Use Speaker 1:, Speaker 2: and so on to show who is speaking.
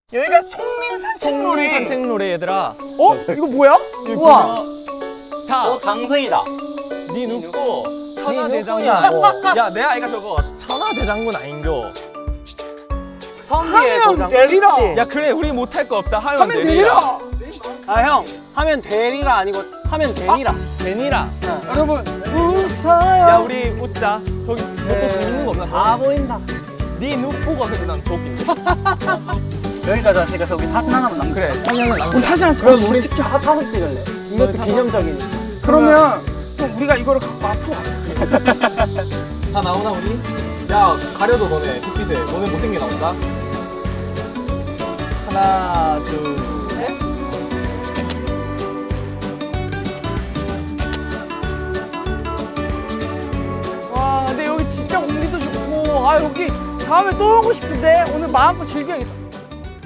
Speaker 1: 여기가 송림 산책로래.
Speaker 2: 산책로래 얘들아.
Speaker 1: 어? 이거 뭐야? 우와.
Speaker 2: 자,
Speaker 3: 장승이다.
Speaker 2: 니 눕고 천하대장군하고. 야, 내 아이가 저거 천하대장군 아닌겨.
Speaker 3: 선비의
Speaker 1: 하면 되리라.
Speaker 2: 야, 그래, 우리 못할 거 없다. 하면
Speaker 1: 하면 되리라.
Speaker 3: 아 형, 하면 되리라 아니고 하면 되니라.
Speaker 2: 되니라.
Speaker 1: 여러분 웃어요.
Speaker 2: 야, 우리 웃자. 저기 뭐또 재밌는 거 없나?
Speaker 3: 다 보인다.
Speaker 2: 니 눕고가 근데 난 더 웃긴데.
Speaker 3: 여기까지 왔으니까 우리 사진 하나만 남겨.
Speaker 2: 그래, 사진은
Speaker 1: 우리
Speaker 2: 남겨.
Speaker 1: 사진 한
Speaker 3: 그럼
Speaker 1: 찍어.
Speaker 3: 우리 사진 찍을래. 이것도 기념적이니까.
Speaker 1: 그러면 또 우리가 이거를 갖고 앞으로 가.
Speaker 2: 다 나오나 우리? 야, 가려줘 너네 햇빛에. 너네 못생겨 나온다. 하나, 둘, 셋.
Speaker 1: 와, 근데 여기 진짜 공기도 좋고, 아 여기 다음에 또 오고 싶은데 오늘 마음껏 즐겨야겠다.